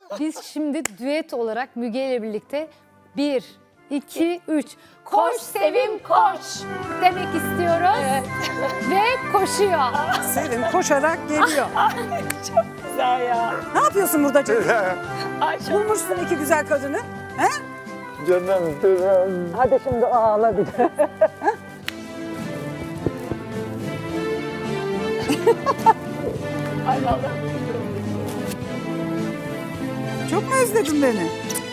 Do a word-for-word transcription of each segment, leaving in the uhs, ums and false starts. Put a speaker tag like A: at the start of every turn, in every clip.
A: Biz şimdi düet olarak Müge ile birlikte bir, iki, üç. Koş Sevim koş demek istiyoruz. Ve koşuyor.
B: Sevim koşarak geliyor.
C: Çok güzel ya.
B: Ne yapıyorsun burada canım?
C: Ay çok
B: Bulmuşsun iki güzel kadını. He?
D: Canım canım.
B: Hadi şimdi ağla bir de.
C: Ay vallahi.
B: Çok mu özledin beni?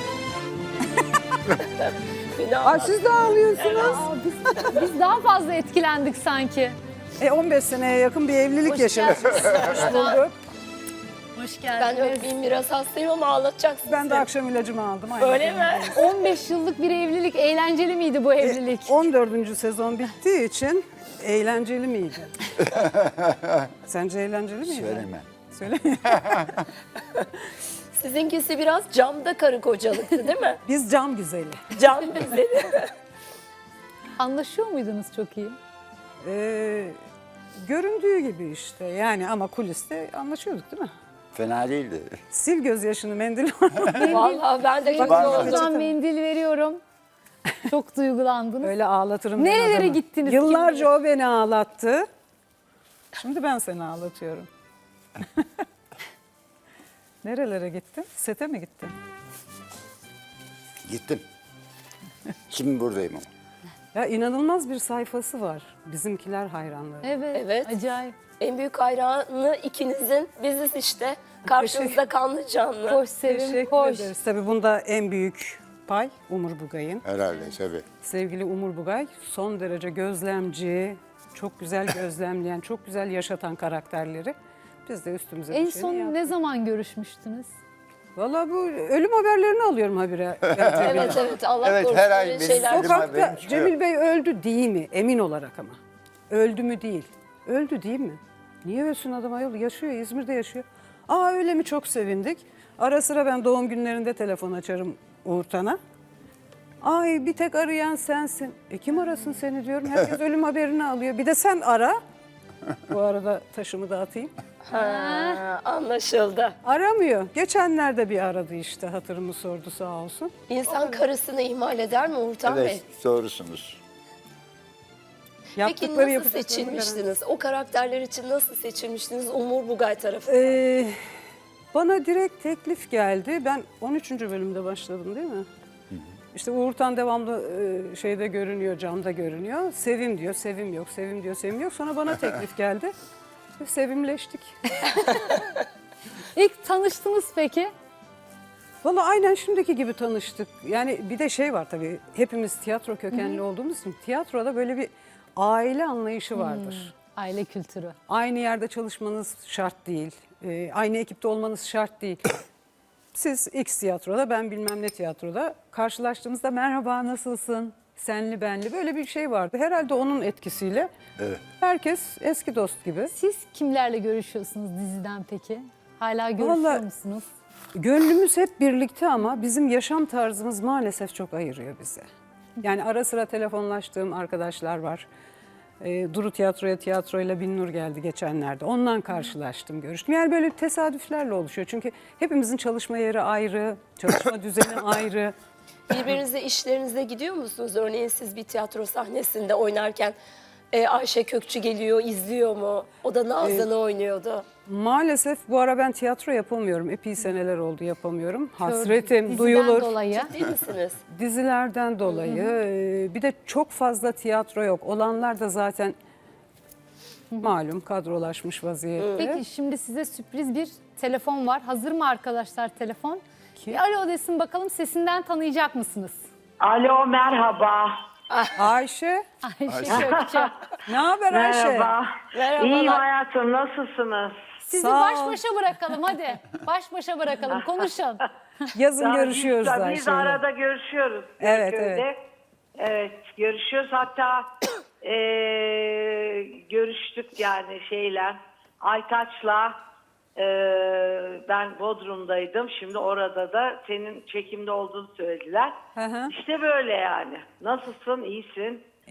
C: Beni
B: Ay
C: ağlat.
B: siz de ağlıyorsunuz.
A: Aa, biz, biz daha fazla etkilendik sanki.
B: E on beş seneye yakın bir evlilik
A: Hoş
B: yaşadık.
A: geldiniz.
B: Hoş bulduk.
A: Hoş
C: Ben
A: geldiniz.
C: öpeyim biraz hastayım ama ağlatacaksın.
B: Ben de
C: seni.
B: akşam ilacımı aldım. Aynen.
C: Öyle mi?
A: on beş yıllık bir evlilik. Eğlenceli miydi bu evlilik?
B: on dördüncü sezon bittiği için eğlenceli miydi? Sence eğlenceli miydi?
D: Söyleme.
B: Söyleme.
C: Sizinkisi biraz camda karı kocalıktı değil mi?
B: Biz cam güzeli.
C: Cam güzeli.
A: Anlaşıyor muydunuz çok iyi?
B: Ee, göründüğü gibi işte yani ama kuliste anlaşıyorduk değil mi?
D: Fena değildi.
B: Sil gözyaşını mendil var.
C: Vallahi ben de çok
B: Bak-
C: oldum.
A: Buradan mendil veriyorum. Çok duygulandınız.
B: Öyle ağlatırım. ben
A: Nerelere
B: adamı.
A: gittiniz,
B: Yıllarca
A: kim
B: o beni ağlattı. Şimdi ben seni ağlatıyorum. Nerelere gittin? Sete mi gittin?
D: Gittim. Şimdi buradayım ama.
B: Ya inanılmaz bir sayfası var. Bizimkiler hayranları.
A: Evet,
C: Evet.
A: acayip.
C: En büyük hayranı ikinizin biziz işte. Karşınızda kanlı canlı.
A: Koş Sevim,
B: Teşekkür
A: koş.
B: ederiz. Tabii bunda en büyük pay Umur Bugay'ın.
D: Herhalde tabii.
B: Sevgili Umur Bugay son derece gözlemci, çok güzel gözlemleyen, çok güzel yaşatan karakterleri. Biz de üstümüze
A: En
B: düşeni
A: son
B: yaptık.
A: ne zaman görüşmüştünüz?
B: Valla bu ölüm haberlerini alıyorum habire.
C: Evet evet Allah
D: Evet,
C: korusun
D: her ay
C: öyle
D: benim
C: şeyler.
D: Ölüm
B: Sokakta
D: haberim çıkıyor.
B: Cemil Bey öldü değil mi? Emin olarak ama. Öldü mü değil. Öldü değil mi? Niye ölsün adam ayol? Yaşıyor, İzmir'de yaşıyor. Aa öyle mi, çok sevindik. Ara sıra ben doğum günlerinde telefon açarım Uğurtan'a. Ay bir tek arayan sensin. E kim arasın seni diyorum. Herkes ölüm haberini alıyor. Bir de sen ara. Bu arada taşımı da atayım.
C: Ha, anlaşıldı.
B: Aramıyor. Geçenlerde bir aradı işte, hatırımı sordu sağ olsun.
C: İnsan karısını ihmal eder mi Uğurtan Bey?
D: Evet doğrusunuz.
C: Peki
B: Yaptıkları
C: nasıl
B: yapacaklarını
C: seçilmiştiniz? O karakterler için nasıl seçilmiştiniz Umur Bugay tarafından?
B: Ee, bana direkt teklif geldi. Ben on üçüncü bölümde başladım değil mi? İşte Uğurtan devamlı e, şeyde görünüyor, camda görünüyor. Sevim diyor, sevim yok, sevim diyor, sevim yok. Sonra bana teklif geldi. Ve sevimleştik.
A: İlk tanıştınız peki?
B: Vallahi aynen şimdiki gibi tanıştık. Yani bir de şey var tabii, hepimiz tiyatro kökenli olduğumuz için tiyatroda böyle bir aile anlayışı vardır.
A: Aile kültürü.
B: Aynı yerde çalışmanız şart değil. Ee, aynı ekipte olmanız şart değil. Siz X tiyatroda, ben bilmem ne tiyatroda karşılaştığımızda merhaba nasılsın, senli benli böyle bir şey vardı. Herhalde onun etkisiyle
D: Evet.
B: herkes eski dost gibi.
A: Siz kimlerle görüşüyorsunuz diziden peki? Hala görüşüyor
B: Vallahi-
A: musunuz?
B: Gönlümüz hep birlikte ama bizim yaşam tarzımız maalesef çok ayırıyor bizi. Yani ara sıra telefonlaştığım arkadaşlar var. Ee, Duru Tiyatro'ya tiyatroyla Binnur geldi geçenlerde. Ondan karşılaştım, görüştüm. Yani böyle tesadüflerle oluşuyor. Çünkü hepimizin çalışma yeri ayrı, çalışma düzeni ayrı.
C: Birbirinize işlerinize gidiyor musunuz? Örneğin siz bir tiyatro sahnesinde oynarken e, Ayşe Kökçü geliyor, izliyor mu? O da Nazan'ı oynuyordu.
B: Maalesef bu ara ben tiyatro yapamıyorum. Epey seneler oldu yapamıyorum. Hasretim
A: Diziden
B: duyulur.
A: dolayı.
C: Değil misiniz?
B: Dizilerden dolayı. e, Bir de çok fazla tiyatro yok. Olanlar da zaten malum kadrolaşmış vaziyette.
A: Peki şimdi size sürpriz bir telefon var. Hazır mı arkadaşlar telefon?
B: Kim?
A: Bir alo desin bakalım, sesinden tanıyacak mısınız?
E: Alo, merhaba.
B: Ayşe,
A: Ayşe Kökçe.
B: ne haber Ayşe?
E: Merhaba.
C: Merhabalar.
E: İyiyim hayatım, nasılsınız?
A: Sizi
B: Sağ
A: baş
B: ol.
A: başa bırakalım hadi. Baş başa bırakalım, konuşun.
B: Yazın
E: Ya
B: görüşüyoruz
E: biz,
B: Ayşe'yle.
E: Biz arada görüşüyoruz.
B: Evet,
E: Kadıköy'de. Evet, görüşüyoruz. Hatta eee, görüştük yani şeyle. Aytaç'la eee, ben Bodrum'daydım. Şimdi orada da senin çekimde olduğunu söylediler.
B: Hı hı.
E: İşte böyle yani. Nasılsın, iyisin?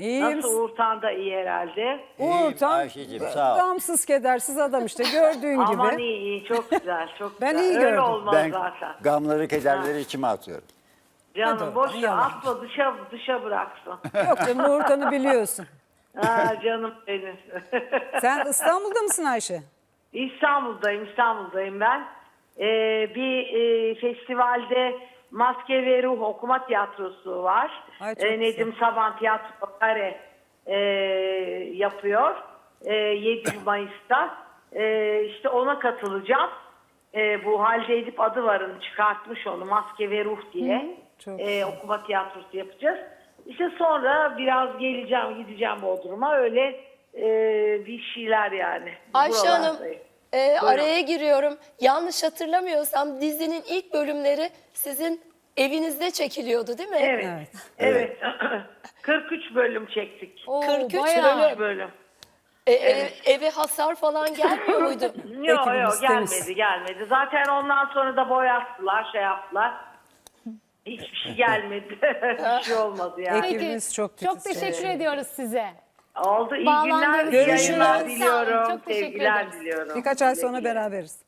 B: İyiyim.
E: Nasıl Uğurtan da iyi herhalde.
D: İyiyim
B: Uğurtan
D: Ayşe'cim, sağ ol.
B: gamsız kedersiz adam işte gördüğün
E: Aman
B: gibi.
E: iyi iyi çok güzel çok
B: Ben
E: güzel.
B: iyi
E: Öyle
B: gördüm.
E: olmaz
D: Ben
E: zaten.
D: gamları, kederleri içime atıyorum.
E: Canım
B: Hadi
E: boş
B: oradan,
E: ver
B: yalan.
E: atma dışa, dışa bıraksın.
B: Yok canım Uğurtan'ı biliyorsun.
E: Ha, canım benim.
B: Sen İstanbul'da mısın Ayşe?
E: İstanbul'dayım, İstanbul'dayım ben. Ee, bir e, festivalde Maske ve Ruh okuma tiyatrosu var.
B: Ay, çok
E: Ee, Nedim Saban Tiyatro Kare e, yapıyor. E, yedi Mayıs'ta. E, işte ona katılacağım. E, bu Halide Edip Adıvar'ın çıkartmış onu Maske ve Ruh diye.
B: çok
E: E, okuma tiyatrosu yapacağız. İşte sonra biraz geleceğim, gideceğim Bodrum'a. Öyle e, bir şeyler yani.
C: Ayşe Hanım,
E: Buralardayım.
C: e, araya giriyorum. Yanlış hatırlamıyorsam dizinin ilk bölümleri sizin evinizde çekiliyordu değil mi?
E: Evet.
B: Evet.
E: Evet. kırk üç bölüm çektik.
A: Oo,
C: kırk üç
A: bayağı.
C: bölüm.
E: Bölüm.
C: E, e, eve hasar falan gelmiyor muydu?
E: Yok
B: Ekibimiz
E: yok
B: temiz.
E: gelmedi gelmedi. Zaten ondan sonra da boyattılar şey yaptılar. Hiçbir şey gelmedi. Bir şey olmadı yani.
B: Peki.
A: Peki,
B: Ekibimiz çok
A: çok
B: titiz.
A: teşekkür ediyoruz size.
E: Oldu iyi
A: Bağlandığınız
E: günler.
A: için
E: Yayınlar
A: sağ olun.
E: diliyorum.
A: Çok teşekkür
E: Sevgiler
A: ederiz.
E: diliyorum.
B: Birkaç ay sonra
E: Güle güle.
B: beraberiz.